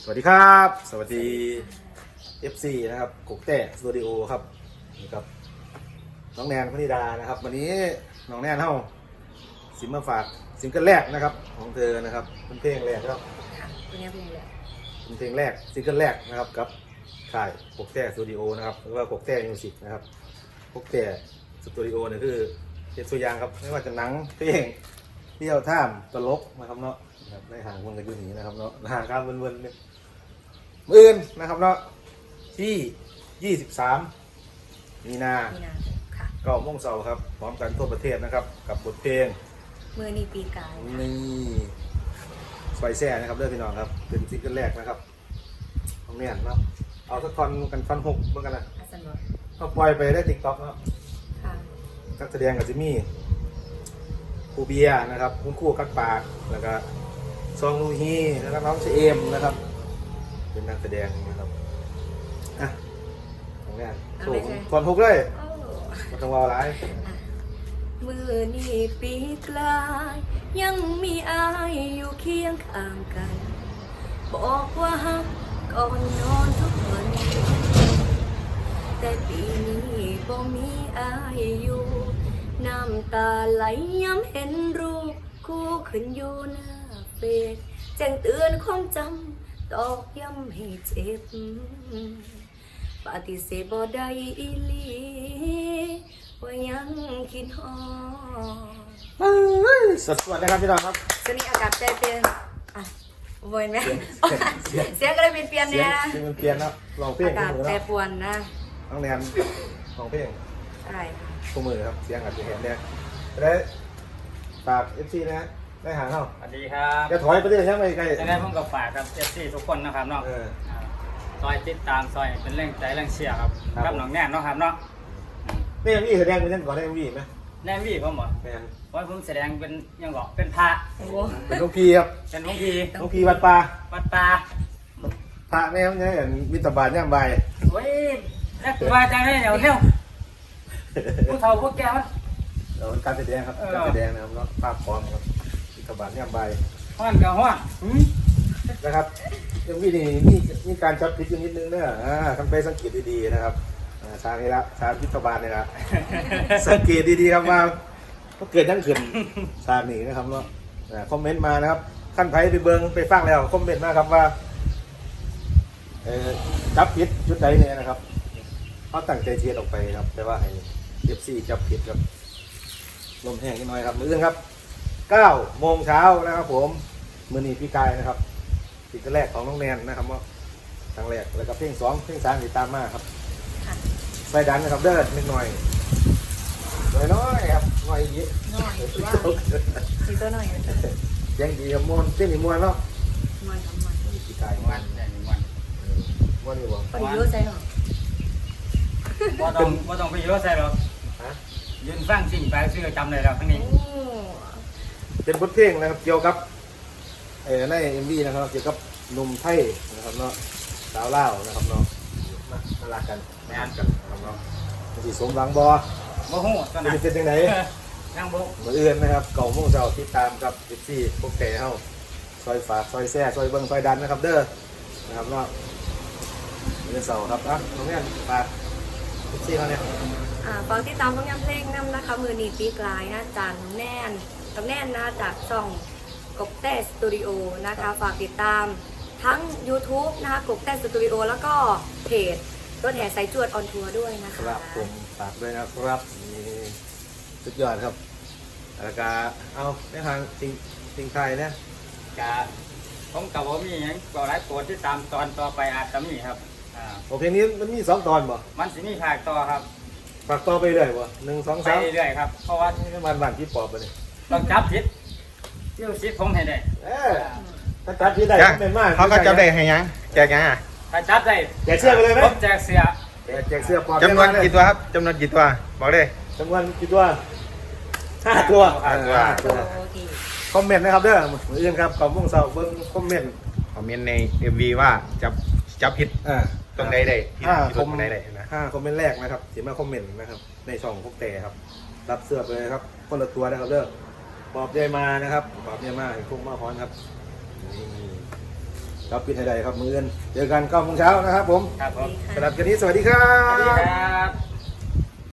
สวัสดีครับสวัสดี FC นะครับกกแต่สตูดิโอครับนี่ครับน้องแนนพนิดานะครับวันนี้น้องแนนเฮาสิมาฝากซิงเกิลแรกนะครับของเธอนะครับเป็นเพลงแรกครับเป็นเพลงแรกเป็นเพลงแรกซิงเกิลแรกนะครับกับค่ายกกแต่สตูดิโอนะครับหรือว่ากกแต่มิวสิกนะครับกกแต่สตูดิโอเนี่ยคือเป็นตัวอย่างครับไม่ว่าจะหนังเพลงเที่ยวท่ามตลกนะครับเนาะได้ห่างวงกันอยู่นี้นะครับเนาะห่างกันเวินๆเนี่ยมื่นนะครับเนาะที่23มีนาค่ะ 9 โมงเช้าครับพร้อมกันทั่วประเทศนะครับกับบทเพลงมือนีปีกายนี่ซอยแซ่นะครับเด้อพี่น้องครับเป็นซิงเกิลแรกนะครับของเนี่ยเนาะเอาสักท่อนกันฟันหกเมื่อกันนะเขาปล่อยไปได้ TikTok เนาะนักแสดงกับจิมี่ครูเบียร์นะครับคุณครูกักปากแล้วก็ซองลูฮีแล้วก็น้องเชมนะครับเป็นนักแสดงนะครับอ่ะของเนี่ยโชว์ท่อนหกเลยมาต้องวาวไลฟ์มือนี่ปีกลายยังมีอายอยู่เคียงข้างกันบอกว่าฮักก่อนนอนทุกวันแต่ปีนี้บ่มีอายอยู่น้ำตาไหลย้ำเห็นรูปคู่ขึ้นอยู่หน้าเฟซแจ้งเตือนความจำตอกย้ำให้เจ็บปฏิเสธบ่ได้อีหลีว่ายังคิดฮอดสวัสดีครับพี่น้องครับช่วงนี้อากาศใจเปลี่ยนอ่ะโวยไหมเสียงก็เลยเปลี่ยนเนี่ยเสียงมันเปลี่ยนแล้วลองเพลงอากาศแปรปรวนนะน้องแนนลองเพลงอะไรคะคู่มือครับเสียงอาจจะเห็นเนี่ยได้ฝาก FC นะได้หาเข้าสวัสดีครับจะถอยไปเรื่อยใช่ไหมใกล้ยังไงผมก็ฝากครับFCทุกคนนะครับเนาะซอยติดตามซอยเป็นแรงใจแรงเชียร์ครับกับน้องแน่นเนาะครับเนาะนี่ยังมีแสดงเป็นยังก่อนได้ยังมีไหมแน่วี่ผมบอกแมนว่าผมแสดงเป็นยังบอกเป็นพระเป็นหลวงพี่ครับเป็นหลวงพี่วัดป่าพระแม่เนี่ยมิตรบาทเนี่ยใบเว้ยนักว่าจังเลยเดี๋ยวผู้เฒ่าผู้แก่มันการแสดงครับการแสดงนะครับเนาะภาพพร้อมครับมิตรบาทเนี่ยใบห้อนกับห้อนนะครับยังมีการจับผิดอยู่นิดนึงเนี่ยทำไปสังเกตดีๆนะครับทางนี้ละทางพิธบาลเนี่ยละสังเกตดีๆครับว่าเกิดยังขึ้นทางนี้นะครับเนาะคอมเมนต์มานะครับขั้นไผ่ไปเบิงไปฟังแล้วคอมเมนต์มาครับว่าจับผิดจุดใดเนี่ยนะครับเขาตั้งใจเชียร์ออกไปครับแต่ว่าให้เอฟซีจับผิดครับลมแห้งนิดหน่อยครับมื้อครับ9 โมงเช้านะครับผมมื้อนี้พี่กายนะครับสิ่งแรกของน้องแนนนะครับว่าครั้งแรกแล้วก็เพลง2เพลง3ติดตามมาครับใส่ดันนะครับเดินนิดหน่อยน้อยครับหน่อยเยอะน้อยสีตัวหน่อยยังดีกับมวนเส้นอีมวนเนาะมวนครับมวนพี่กายมวนนี่บ่ไปเยอะใจหรอว่าต้องไปเยอะใส่หรอกยืนฟังสิ่งไปซื้อจำเลยแล้วทั้งนี้เป็นบทเพลงนะครับเกี่ยวกับในMVนะครับเกี่ยวกับหนุ่มไทยนะครับเนาะสาวเล่านะครับเนาะมารักกันไม่อ่านกันนะครับเนาะสีสมหวังบ่ฮู้ตอนนั้นเป็นยังไงนั่งบ่มื้ออื่นนะครับ9 โมงเช้าติดตามกับ14พวกแก่เฮาซอยฝากซอยแซ่ซอยเบิ่งซอยดันนะครับเด้อนะครับเนาะมื้อเสาร์ครับน้องแม่นฝาก14เขาเนี่ยฝากติดตามผลงานเพลงนำนะคะมือนีปีกลายนะจานแน่นกับแน่นนะจากช่องกบแต่สตูดิโอนะคะฝากติดตามทั้ง YouTube นะคะกบแต่สตูดิโอแล้วก็เพจรถแห่สายจวดออนทัวร์ด้วยนะคะครับผมฝากด้วยนะครับนี่สุดยอดครับแล้วก็เอาในทางสิ่งไทยนะกะผมกับผมมีอย่างก็หลายโปรดที่ตามตอนต่อไปอาจจะมีครับเพลงนี้มันมี2 ตอนบ่มันสิมีภาคต่อครับฝากต่อไปเรื่อยบ่1 2 3 ไปเรื่อยครับเพราะว่ามันที่ปอบไปเลยต้องจับผิดที่สิผมให้ได้ถ้าจับผิดได้เป็นมากเขาก็จับได้ให้ยังแจกยังถ้าจับได้แจกเสื้อไปเลยไหมผมแจกเสื้อจำนวนกี่ตัวครับจำนวนกี่ตัวบอกเลยจำนวนกี่ตัว5 ตัวคอมเมนต์นะครับเด้อเหมือนอื่นครับ9 โมงเช้าเบิ่งคอมเมนต์ใน MV ว่าจับผิดตรงใดได้คอมเมนต์นะคอมเมนต์แรกนะครับที่มาคอมเมนต์นะครับในช่องพวกแต่ครับรับเสื้อไปเลยครับคนละตัวนะครับเด้อปอบใหญ่มานะครับปอบใหญ่มาพวกมาฮ้อนครับนี่ครับปิดให้ได้ครับมื้ออื่นเจอกัน9 โมงเช้านะครับผมครับผมสำหรับคืนนี้สวัสดีครัสวัสดีบครับ